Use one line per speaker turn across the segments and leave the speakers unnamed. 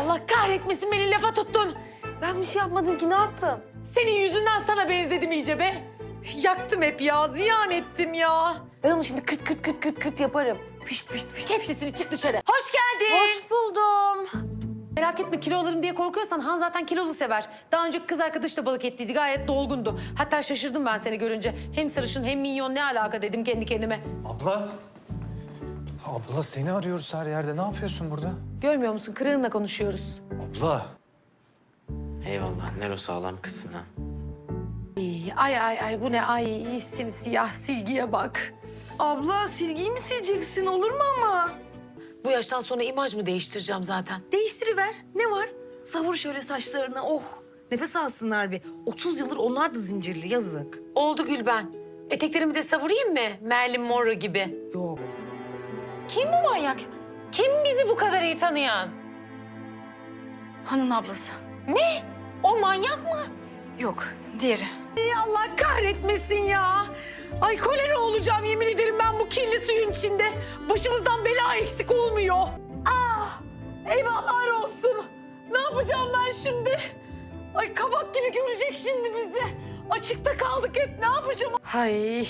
Allah kahretmesin, beni lafa tuttun.
Ben bir şey yapmadım ki, ne yaptım?
Senin yüzünden sana benzedim iyice be. Yaktım hep ya, ziyan ettim ya.
Ben onu şimdi kırt kırt kırt kırt kırt yaparım. Fışt fışt fışt.
Kes sesini, çık dışarı. Hoş geldin.
Hoş buldum.
Merak etme, kilo alırım diye korkuyorsan Han zaten kilolu sever. Daha önce kız arkadaş da balık ettiydi, gayet dolgundu. Hatta şaşırdım ben seni görünce. Hem sarışın hem minyon, ne alaka dedim kendi kendime.
Abla. Abla seni arıyoruz her yerde. Ne yapıyorsun burada?
Görmüyor musun, kırığınla konuşuyoruz.
Abla.
Eyvallah, Nero sağlam kızsın ha.
Ay bu ne, ay simsiyah, silgiye bak.
Abla silgiyi mi sileceksin, olur mu ama?
Bu yaştan sonra imaj mı değiştireceğim zaten?
Değiştiriver. Ne var? Savur şöyle saçlarına. Oh. Nefes alsınlar bir. 30 yıldır onlar da zincirli, yazık.
Oldu Gülben. Eteklerimi de savurayım mı? Marilyn Monroe gibi.
Yok.
Kim bu manyak? Kim bizi bu kadar iyi tanıyan?
Hanın ablası.
Ne? O manyak mı?
Yok, diğeri.
Allah kahretmesin ya. Ay kolera olacağım yemin ederim ben bu kirli suyun içinde. Başımızdan bela eksik olmuyor. Ah! Eyvahlar olsun. Ne yapacağım ben şimdi? Ay kabak gibi görecek şimdi bizi. Açıkta kaldık hep, ne yapacağım? Hay.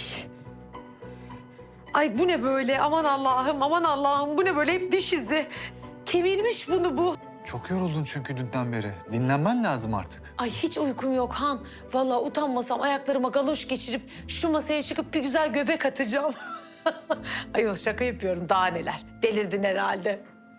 Ay bu ne böyle? Aman Allah'ım, aman Allah'ım. Bu ne böyle? Hep diş izi. Kemirmiş bunu bu.
Çok yoruldun çünkü dünden beri. Dinlenmen lazım artık.
Ay hiç uykum yok Han. Vallahi utanmasam ayaklarıma galoş geçirip şu masaya çıkıp bir güzel göbek atacağım. Ayol şaka yapıyorum, daha neler. Delirdin herhalde.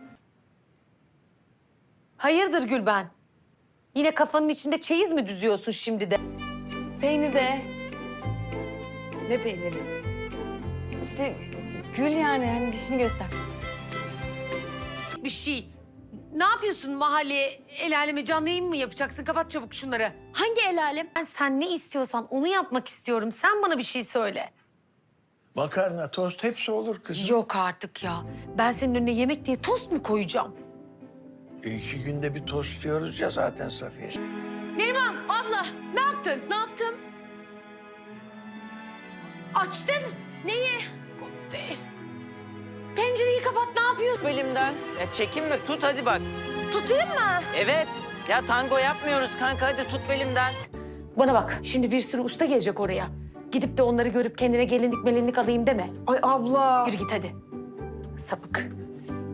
Hayırdır Gülben? Yine kafanın içinde çeyiz mi düzüyorsun şimdi de?
Peynir de.
Ne peyniri?
İşte gül yani, hani dişini göster.
Bir şey. Ne yapıyorsun mahalleye, el aleme canlı yayın mı yapacaksın? Kapat çabuk şunları.
Hangi el alem?
Sen ne istiyorsan onu yapmak istiyorum. Sen bana bir şey söyle.
Makarna, tost hepsi olur kızım.
Yok artık ya. Ben senin önüne yemek diye tost mu koyacağım?
2 günde bir tost diyoruz ya zaten Safiye.
Neriman, abla ne yaptın? Ne yaptım? Açtın. Neyi? Pencereyi kapat, ne yapıyorsun?
Bölümden. Ya çekinme, tut hadi bak.
Tutayım mı?
Evet. Ya tango yapmıyoruz kanka, hadi tut belimden.
Bana bak, şimdi bir sürü usta gelecek oraya. Gidip de onları görüp kendine gelinlik melinlik alayım deme.
Ay abla.
Yürü git hadi. Sapık.